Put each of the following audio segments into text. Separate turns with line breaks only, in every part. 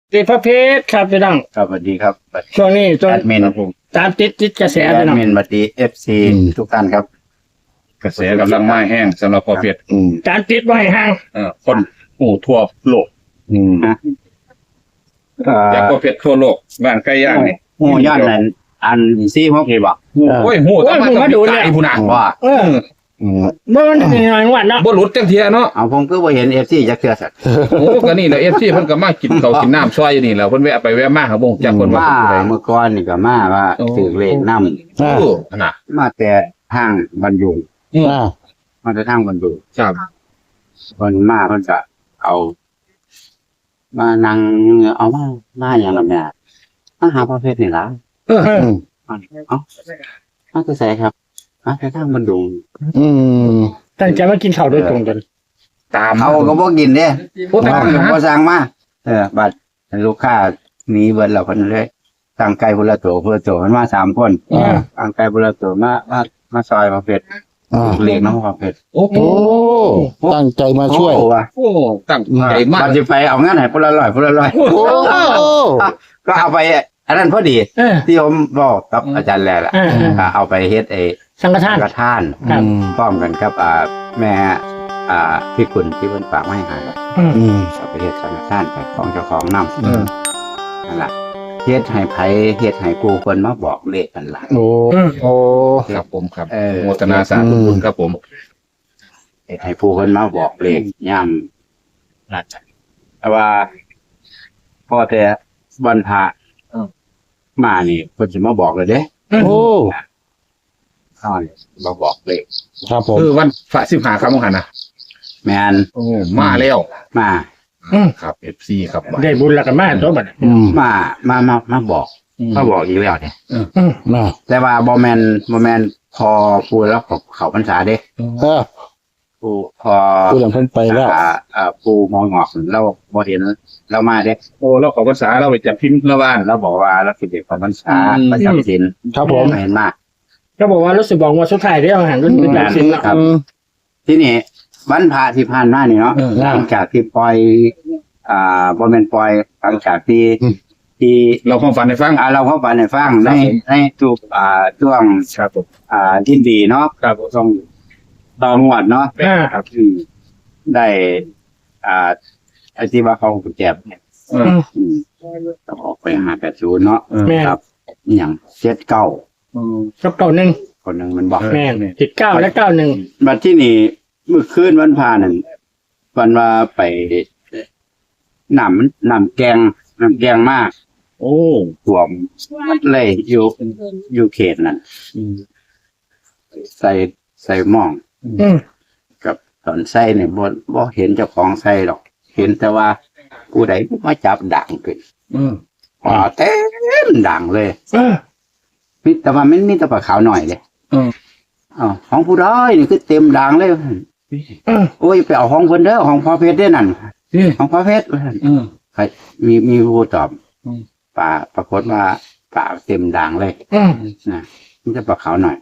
ติดพระเพชรครับพี่น้อง
ครับสวัสดีครับ
ช่วงนี้จน
แอดมิน
ตามติดกระแส
แอ
พี่
ด
น้อง
มินบัดดีFC ทุกท่านครับ
กระแสกำลังมาแห้งสำหรับพอเพียร
ตามติดไว้ห่าง
คนทั่วโลก อยากพอเพียรทั่วโลกบ้านใกล้ย่างนี่
หมู่ย่านนั้นอันซี่พวกนี้บ่
โอ้ยหูต้องมาดูเนี่ยผู้น่ะ
ว่า
บ่มันเป็นหน่อยวันเนาะ
บ่หลุดจังเทียเนาะ
เอาผมก็บ่เห็น FC จักเทื่อสัก
โอ้ก็นี่แหละ FC เพิ่นก็มากินข้าวกินน้ำซอยอยู่นี่แหละเพิ่นแวะไปแวะมาครับบ่จักเพิ่นว่า
มา
เป็นผู้ใด
เมื่อก่อนนี่ก็มาว่าถือเลขนำ
โอ้น่ะ
มาแต่ทางบรรยุงมาแต่ทางบรรยุง
ครับ
เพิ่นมาเพิ่นก็เอามานั่งเอามาอย่างละแม่มาหาประเภทนี่ล่ะ
เออ
เอ้ามาคือไสครับมาแต่ทางบรรยุง
ตั้งใจมากินข้าวโดยตรงกัน
ตาม
เขาก็บ่กินเด้
โอ้ตาม
บ่สั่งมาบัดลูกค้าหนีเบิดแล้วเพิ่นเลยสั่งไก่พุ่นละตัวพุ่นละตัวมันมา3คนสั่งไก่พุ่นละตัวมาซอยประเภทเลี้ยงน้องประเภท
โอ้โห
โอ้ตั้งใจมาช่วย
โอ้ว่ะ
โอ้ตั้งใจมาก
บัดสิไปเอาเงินให้พุ่นละ100พุ่นละ100
โอ้
ก็เอาไปอันนั้นพอดี
เออ
ที่ผมบอกกับอาจารย์แล้วล่ะ เอาไปเฮ็ดไอ้
สังฆทาน
กระท่าน
ครับ
พร้อมกันครับแม่พี่คุณที่เพิ่นฝากมาให้หาเอาไปเฮ็ดสังฆทานไปของเจ้าของนำนั่นล่ะเฮ็ดให้ไผเฮ็ดให้ผู้คนมาบอกเลขกันล่ะ
โอ้ โอ้
ครับผมครับ
เออ
โมทนาสาธุบุญครับผม
เฮ็ดให้ผู้คนมาบอกเลขย่ำนั่นแต่ว่าพอแต่วันพระมานี่เพิ่นสิมาบอกเลยเด้
โอ้
ข้านี่มาบอกเลข
ครับผม
คือวันพระ15ครับมหันนะ
แม่น
โอ้มาแล้ว
มา
ครับ FC ครับ
ได้บุญแล้วกันมาตัวบัด
มาบอกมาบอกอีกแล้วเนี่ย
น่ะ
แต่ว่าบ่แม่นพอพูดแล้วเขาพรรษาเด้ ปูพอ
ผู้หลังเพิ่นไปแล้ว
ปูมองงอกเราบ่เห็นเรามาเด้
โอ้เราขอภาษาเราไปจับพิมพ์ละบ้าน
เราบอกว่าเราสิเด็กของพรรษาประจำศีล
ครับผม
เห็นมาก
ก็บอกว่ารู้สึกบอกว่าสุดท้ายได้อาหารรุ่นเป็นแบบสิ้นแล้ว
ครับ ที่นี่วันพระที่ผ่านมานี่เนาะหลังจากที่ปล่อยบ่แม่นปล่อยหลังจากที่
เราความฝันให้ฟัง
เราเข้าไปในฟังในทุกช่วง
ครับผม
ที่ดีเนาะ
ครับผม
ต้องต่องวดเนาะ ครับได้ไอ้ที่ว่าเขาแจบเนี่ยต้องออกไป580เนาะ
แม่น
ครับอหย่าง79
กับเก่าหนึ่ง
คนหนึงมันบอก
แม่นติด9และ91
บัดที่นี่เมื่อคืนวันพานั่นวันว่าไปน้ำแกงมาก
โอ้
ท่วมหมดเลยอยู่เขตนั่นใส่หม่อง กับตอนใส่เนี่ยบ่เห็นเจ้าของใส่หรอก เห็นแต่ว่าผู้ใดมาจับด่างขึ้นเต็มด่างเลยมีแต่ว่ามันมีแต่ปลาขาวหน่อยเลยของผู้ร้อยนี่คือเต็มด่างเลยโอ้ยไปเอาของเพิ่นเด้อของพ่อเพชรได้นั่นของพ่อเพชรใครมีผู้ตอบป่าปรากฏว่าป่าเต็มด่างเลยนะมีแต่ปลาขาวหน่อย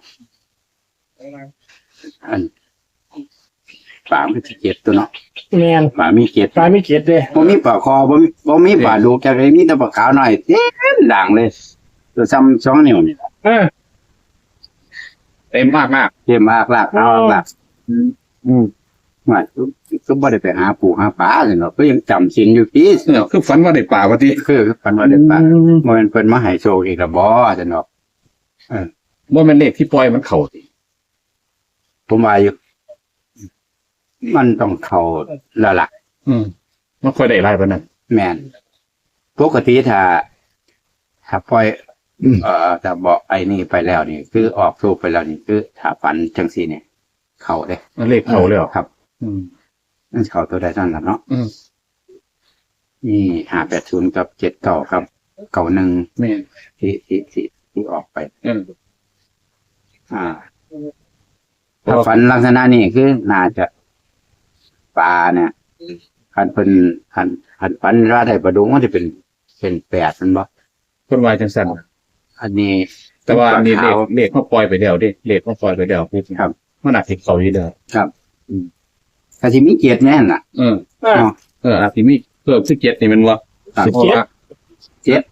อันป่ามีเจ็ดตัวเนาะ
แม่น
ป่ามีเจ็ด
ปลาไม่เกียดเลย
บ่มีปลาคอบ่มีปลาดุกจักเลยมีแต่ปลาขาวหน่อยเต็มด่างเลยตัวซ้ำ2 นิ้วนี่
เต็มมากมาก
เต็มมากลากเอาลากว่าก็บ่ได้ไปหาปูหาปลาเลยเนาะก็ยังจำศีลอยู่พี่
เนี่ยคือฝันว่าได้ป่าวะที่
คือปันว่าได้ปลาบ่แม่นเพิ่นมาให้โชคอีกละบ่จังเนาะ
ว่ามันเลขที่ปล่อยมันเข่าสิ
ผมว่าอยู่มันต้องเข้าแล้วล่ะ
มันค่อยได้ไรปะนั่น
แม่นปกติถ้าปล่อยถ้าบอกไอ้นี่ไปแล้วนี่ คือออกสูบไปแล้วนี่คือถ้าฝันจังซี่เนี่ยเข้าเด้
มันเลขเข่าเลยเหรอ
ครับนั่นเข้าตัวใดนั่นล่ะเนาะมี580กับ79ครับ91
แม่น
ที่ออกไปถ้าฝันลักษณะนี้คือน่าจะปลาเนี่ยคันเป็นคันฝันว่าได้ปลาดุกมันจะเป็น8มันบ่
คนวายจังสัน
อันนี้
แต่ว่านี่เลขเขาปล่อยไปเดียวดิเลขเขาปล่อยไปเดียวพูด
ครับ
มันอาจจะเข่าอยู่เดียว
ครับถ้าสิมีเกียรติแน่นล่ะ
อาจจะมีเพิ่ม17นี่มันว่า
ครับ
เพราะว่า
เจ็ด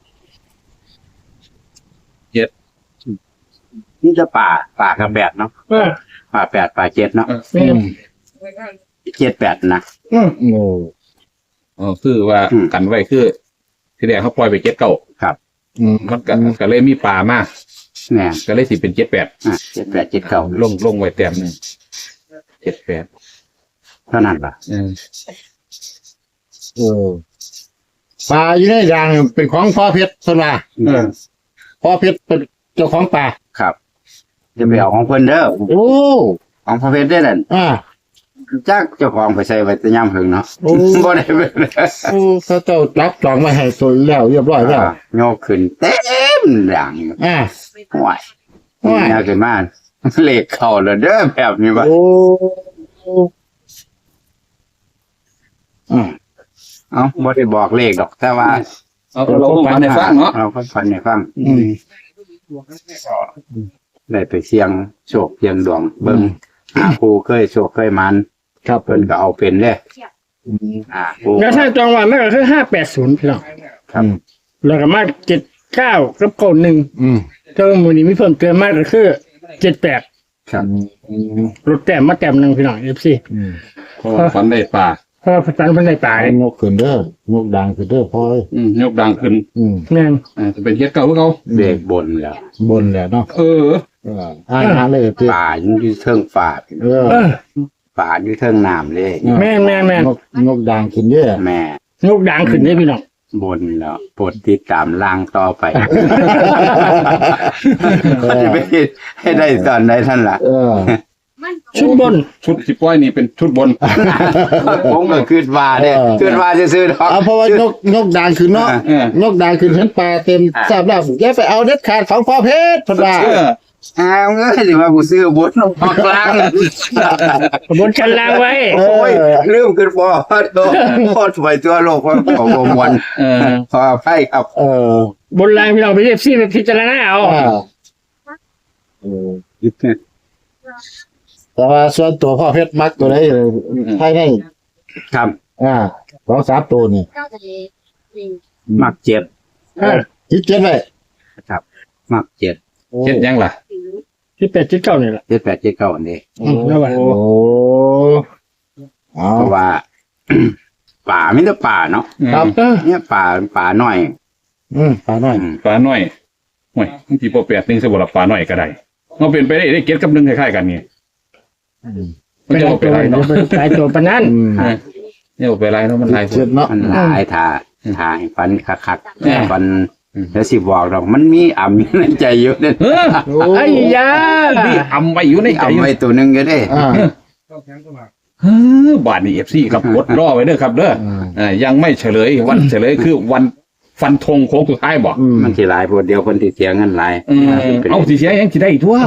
เจ็ด
นี่จะป่ากับแปดเนาะป่าแปดป่าเจ็ดเนาะ
แม่น
เจ็ดแปดนะ
โอ้
อ๋อคือว่า
อืม
กันไว้คือที่แรกเขาปล่อยไปเจ็ดเก้า
ครับ
มันก็เลยมีป่ามาก
เนี่ย
ก็เลยสิเป็นเจ็ดแปด
เจ็ดแปดเจ็ดเก้า
ลงไว้แต้มหนึ่งเจ็ดแปด
เท่านั้นล่ะ
โอ้ปลาอยู่ในด่างเป็นของพ่อเพชรสนาพ่อเพชรเป็นเจ้าของปลา
ครับ จะไปเอาของเพิ่นเด้อ
โอ้
ของพระเพชรได้นั่น
อ่า
จักเจ้าของไปใส่ไว้แต่ย่ำหึงเนาะ
โอ้
บ่ได้ไป
โอ้เขาเจ้าจับจองมาให้ตัวแล้วเรียบร้อยแล้ว
โยกขึ้นเต็มดัง
อ่า
ห่วย
ห่วย
ยากขึ้นมาเลขเข้าแล้วเด้อแบบนี้ว่า
โอ้อ่า
เอ้าบ่ได้บอกเลขดอก แต่ว่า
เอาเราต้องฟังในฟังเนาะ
เราก็ฟันให้ฟัง
อืม
ได้ไปเสี่ยงโชคเสี่ยงดวงเบิ่งหาผู้เคยโชคเคยมัน
ครับ
เพิ่นก็เอาเป็นเด้ผู้
แล้วถ้าจองวันมันก็คือ580พี่น้อง
ครับ
แล้วก็มา79กับ91
อืม
เจ้ามื้อนี้มีเพิ่มเติมมากก็คือ78
ครับ
ลดแต้มมาแต้มหนึงพี่น้อง FC
อืม
เพราะว่าฝันได้ป่า
เพราะว่าพันได้ตาย
งกขึ้นเด้องกดังขึ้นเด้อพ่อย
ยกดังขึ้น
อืม
แม่น
จะเป็นเจ็ดเก้าเพื่อเขา
เลขบนแล้ว
บนแหละเนาะ
เออ
อ่าเลยพี่
ป่าอยู่เทิงฝาด
เออ
เออ
ป่าอยู่เทิงน้ำเลย
แม่น
งกดังขึ้นเด้อ
แม่
งกดังขึ้นเด้พี่น้อง
บนแล้วโปรดติดตามล่างต่อไปจะไปให้ได้ตอนใดท่านล่ะ
เออ
ชุดบน
ชุดสิป้อยนี่เป็นชุดบน
ผมก็คืดว่าเนี่ยคืดว่าจะซื้อๆดอก
เอาเพราะว่างกดังขึ้นเนาะ
เออง
กดังขึ้นเห็นปลาเต็มทราบแล้วอย่าไปเอาเด็ดขาดของพ่อเพชรพนว่า
เออ
อ้าวเอ้ยสิว่ากูซื้อบนลงมากลาง
บนชั้นล่างไว้
โอ้ยลืมขึ้นพอตัวพอดไปตัวโลกว่าของมวล
เออ
ขออภัยครับ
เออบ
นล่างพี่น้องไปเอฟซีไปพิจารณาเอา
อ่าเออแต่ว่าส่วนตัวพ่อเพชรมักตัวไหนให้ได้
ครับ
อ่า2-3ตัวนี่
มักเจ็ด
คิดเจ็ดไว้
ครับ มักเจ็ด
เจ็ดยังล่ะ
ที่8ที่9นี่แหละ
เจ็ดแปดเจ็ดเก้าอันนี้
แล้วว่า
โอ้เอา
เพราะว่า ป่าไม่ได้ป่าเนาะ
ครับ
เนี่ยป่าน้อย
ปลาน้อย
ปลาหน่อยห่วยบางทีพอแปดหนึ่งสำหรับปลาหน่อยก็ได้เราเป็นไปได้เก็ตกับหนึ่งคล้ายๆกันนี่มัน
เป็น
จะ
ตั
เอาไป
ว
ไรเนาะ
เป็นหลายตัวปานนั้น
เนี่ยเอาไปไรเนาะมันไร
เจ็ดเนาะ
มันหลายทาให้ฟันคัก
อืม
ๆฟันแล้วสิบอกดอกมันมีอ่ำอยู่ในใจอยู่เนี่ย
เออ
ไอ้ยา
นี่อำไว้อยู่ในใจอยู่
อ่ำไว้ตัวหนึงก็ได้
อ่า
บาทนี่เอฟซีครับกดรอไว้เด้อครับเด้อยังไม่เฉลยวันเฉลยคือวันฟันธงโค้งสุดท้ายบอก
มันสิหลายพวดเดียวคนที่เสียเงินหลาย
เอาสิเสียยังสิได้อีกทั่ว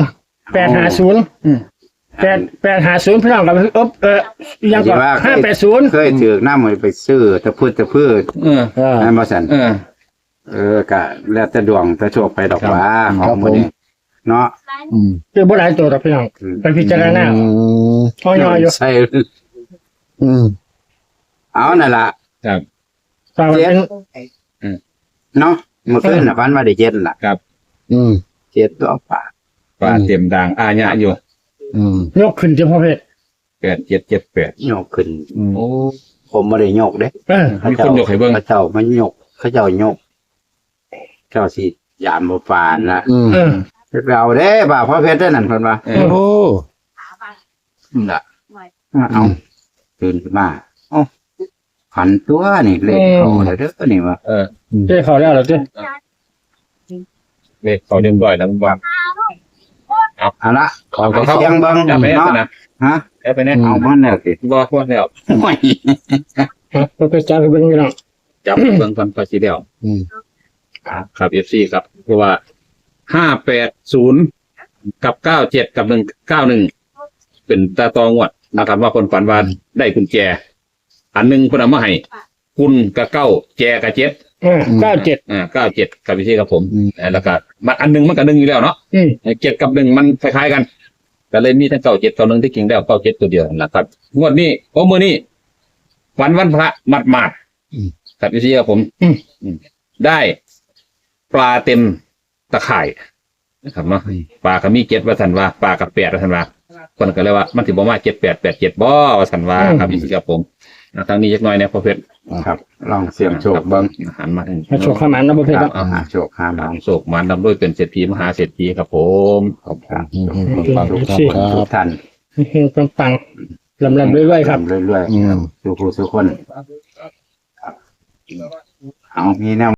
850 850พี่น้องกับยังก่อน580
เคยถือน้ำมันไปซื้อตะพืช
เออ
นั่นบ่ซั่น
เออ
ก็แล้วแต่ดวงแต่โชคไปดอกว่าข
ค
อ
รั
ง
บ
มื้อนี้เนาะ
คือบ่หลายตัวดอกพี่น้องไปพิจารณาเอาย่ออยู่
ใช่
อืม
เอานั่นล่ะ
ครับ
ฝากไว้เป็น
เนาะเมื่อคืนน่ะฝันว่าได้เจ็ดล่ะ
อืม
เจ็ดตัวป่า
ปลาเต็มด่างอาญะอยู่
อืม
ยกขึ้นเฉพาะเพศ
8778
โยกขึ้น
โอ้
ผมบ่ได้โยกเด้
มีคนยกให้เบิ่ง
เขาเจ้ามันโยกเขาเจ้าโยกเจ้าสิยามบ่ปานละ
อืม
ไปเอาเด้บ่าวพ่อเพชรได้นั่นเพิ่นว่า
โอ้
น่ะเอาตื่นขึ้นมาเอ้าขันตัวนี่เลขเขาแล้วเด้อนี่ว่า
เจ้เขาแล้วเหรอเจ้
เลขเขาเรียบร้อยแล้วว่า
เอาละ
ขอบคุณครับ
เสียงเบิ่ง
จับไปแน่
เนาะ
นะ
ฮะ
แอบไปแน่
เอามันแล้วสิ
บ่พอแล้ว
โอ้ย
เราไปจ้าไปเบิ่งพี่น้อง
จับเบิ่งก่อนพอสิแล้ว
อืม
ครับ FC ครับเพราะว่า580กับ97กับ191เป็นตาตองวดนะครับว่าคนฝันว่าได้กุญแจ อันหนึงเพิ่นเอามาให้คุณกับ9แจกับ7
97
97กับพี่ครับผมแล้วก็มันอันหนึงมันก็1อยู่แล้วเนาะ 7กับ1มันคล้ายๆกันก็เลยมีทั้ง97กับ1ที่จริงแล้ว97ตัวเดียวนั่นแหละครับงวดนี้มื้อนี้วันพระหมาดๆครับพี่ครับผมได้ปลาเต็มตะข่ายนะครับเนาะปลาก็มี7ว่าสันว่าปลากับ8ว่าสันว่าคนก็เลยว่ามันถึงบอกว่า7887บ่ว่าสันว่าครับพี่ครับผมทางนี้จักหน่อยเนี่ยพอเพชร
ครับ ลองเสี่ยงโชคเบิ่ง
หันมาทาง
มาโชว์ข้ามันนะประเภท
ครับ
หาโชคหา
ทา
บาง
งโศกมันดำด้วยเป็นเศรษฐีมหาเศรษฐีครับผม
ครับ
ครับ
ทุกท่าน
เฮงปังๆลำๆเรื่อยๆครับ
เรื่อยๆสู่ผู้สู่คน เอามีแนว